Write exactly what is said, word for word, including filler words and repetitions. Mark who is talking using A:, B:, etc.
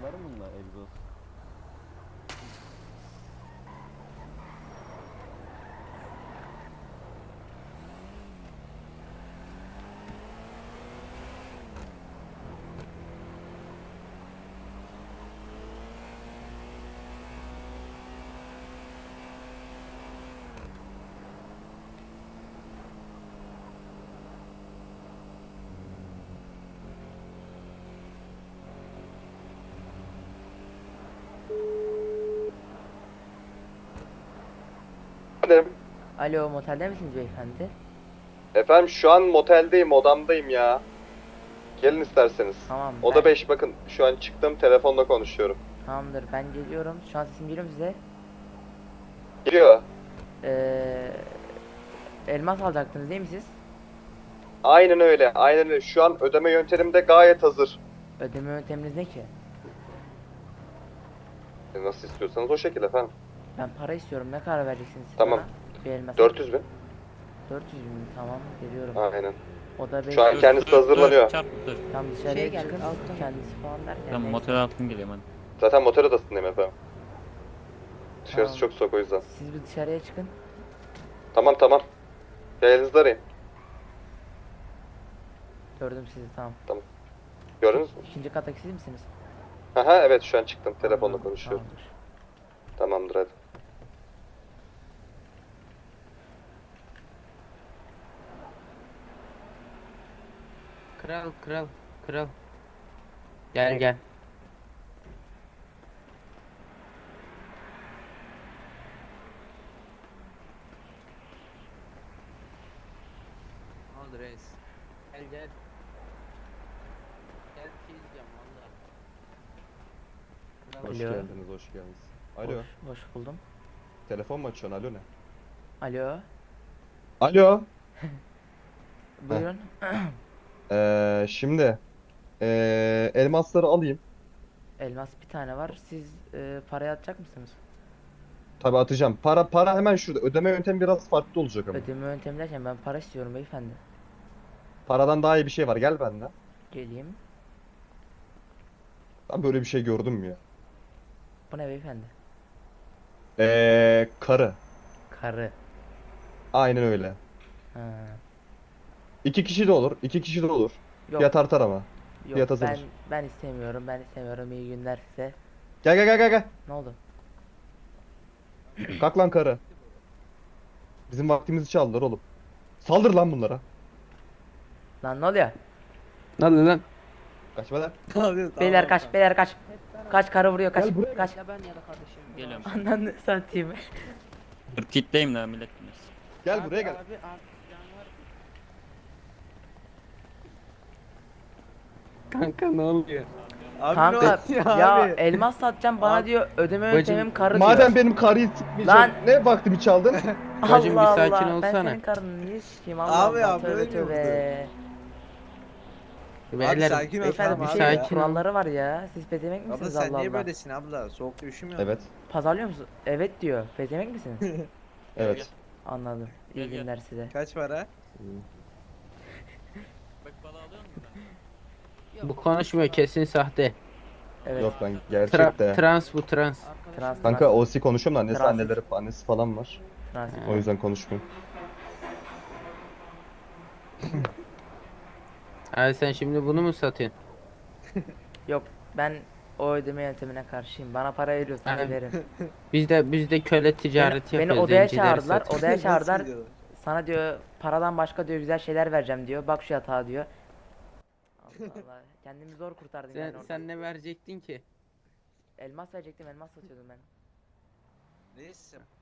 A: Var mı bunda egzoz?
B: Efendim,
C: Alo, motelde misiniz beyefendi?
B: efendim şu an moteldeyim, odamdayım ya. Gelin isterseniz.
C: Tamam,
B: Oda
C: ben...
B: beş, bakın şu an çıktım, telefonla konuşuyorum.
C: Tamamdır, ben geliyorum. Şu an sesim geliyor mu size?
B: Geliyor.
C: Ee, elmas alacaktınız değil mi siz?
B: Aynen öyle, aynen öyle. Şu an ödeme yöntemim de gayet hazır.
C: Ödeme yönteminiz ne ki?
B: E, Nasıl istiyorsanız o şekilde efendim.
C: Ben para istiyorum. Ne kadar vereceksiniz siz
B: Tamam.
C: bana? Bir elmas.
B: dört yüz bin.
C: dört yüz bin. Tamam, geliyorum.
B: Aynen.
C: O da beş
B: Şu an
C: yüz.
B: kendisi hazırlanıyor.
D: Çarp dur.
C: Tam dışarıya
E: Şey
C: çıkın.
E: geldi, alttan.
C: Kendisi falan derken.
D: Ben
C: neyse.
D: motel altın geliyorum hadi.
B: Zaten motor odasındayım efendim. Dışarısı
C: Tamam.
B: çok soğuk o yüzden.
C: Siz bir dışarıya çıkın.
B: Tamam tamam. Elinizde arayın.
C: Gördüm sizi, tamam.
B: Gördünüz mü?
C: İkinci kattaki siz misiniz?
B: Aha evet, şu an çıktım. Telefonla
C: Tamam,
B: konuşuyorum.
C: tamamdır.
B: Tamamdır hadi.
E: Kral kral kral. Gel gel. Ne oldu reis? Gel gel. Gel bir şey diyeceğim valla. Kral.
A: Hoş
C: Alo.
A: geldiniz, hoş geldiniz. Alo,
C: Hoş, hoş buldum.
A: telefon mu açıyorsun? Alo ne?
C: Alo.
A: Alo.
C: Buyurun.
A: Ee, şimdi ee, elmasları alayım.
C: Elmas bir tane var. Siz e, parayı atacak mısınız?
A: Tabii atacağım. Para para hemen şurada. Ödeme yöntemi biraz farklı olacak ama.
C: Ödeme yöntemi derken ben para istiyorum beyefendi.
A: Paradan daha iyi bir şey var. Gel benden.
C: Geleyim.
A: Ben böyle bir şey gördüm mü ya?
C: Bu ne beyefendi?
A: Ee, karı.
C: Karı.
A: Aynen öyle.
C: Ha.
A: İki kişi de olur. iki kişi de olur.
C: Yok,
A: Fiyat artar ama.
C: yok
A: fiyat
C: ben
A: azalır.
C: ben istemiyorum. Ben istemiyorum. İyi günler size.
A: Gel gel gel gel gel.
C: Ne oldu?
A: Kalk lan karı. Bizim vaktimizi çaldılar oğlum. Saldır lan bunlara.
C: Lan ne oluyor?
E: Ne oldu lan?
A: Kaçma lan.
C: Beyler kaç, beyler kaç. Kaç, karı vuruyor, kaç.
A: Gel buraya.
C: Kaç.
E: Ya ben ya da kardeşim.
D: Geliyorum.
C: Ananı satayım.
D: Dur kitleyim de millet dinlesin.
A: Gel buraya gel.
E: Abi artık can var. Kanka ne oluyor?
C: Kanka
E: Ya
C: ya
E: abi.
C: elmas satacağım bana
E: Abi.
C: diyor ödeme
E: Bacım,
C: yöntemim karı
A: Madem
C: diyor.
A: benim karıyı sikmeyeceksin.
C: Lan.
A: Ne vaktimi çaldın?
E: Bacım, bir
C: Allah
E: sakin
C: Allah. Ben
E: olsana.
C: senin karını niye sikeyim Allah
F: Abi
C: Allah.
F: ya,
C: Tövbe
F: böyle mi
C: tövbe.
E: Beyler
F: sakin ol,
C: Beyefendi
F: tamam
C: bir
E: bir
F: abi
C: şey
F: ya.
E: sakin ol.
C: kuralları var ya. Siz pezevenk
F: Abla
C: misiniz
F: sen
C: Allah
F: niye
C: Allah?
F: böylesin abla? Soğukta üşümüyor musun?
A: Evet.
C: Pazarlıyor musun? Evet diyor. Pezevenk misiniz?
A: Evet.
C: Anladım. İyi
D: Gel, gel.
C: günler size.
F: Kaç para?
D: Bak balığı alıyor musun
E: bu konuşmuyor, kesin sahte.
C: Evet.
A: Yok lan
E: Tra-
A: gerçek de.
E: trans bu trans.
C: Trans,
A: Kanka
C: trans,
A: O C konuşuyorum da annesi
C: Transit.
A: anneleri annesi falan var.
C: trans.
A: O yüzden konuşmuyorum.
E: Abi sen şimdi bunu mu satıyorsun?
C: Yok ben o ödeme yöntemine karşıyım. Bana para veriyorsan
E: Aynen.
C: öderim.
E: Biz de biz de köle ticareti
C: Beni, beni
E: yapıyoruz.
C: odaya
E: zencileri
C: çağırdılar.
E: satıyoruz.
C: Odaya
F: Nasıl
C: çağırdılar.
F: diyorlar?
C: Sana diyor paradan başka diyor güzel şeyler vereceğim diyor. Bak şu yatağa diyor. Allah Allah. Kendimi zor kurtardım
E: Sen,
C: yani orada.
E: sen ne verecektin ki?
C: Elmas verecektim, elmas satıyordum ben.
F: Neyse.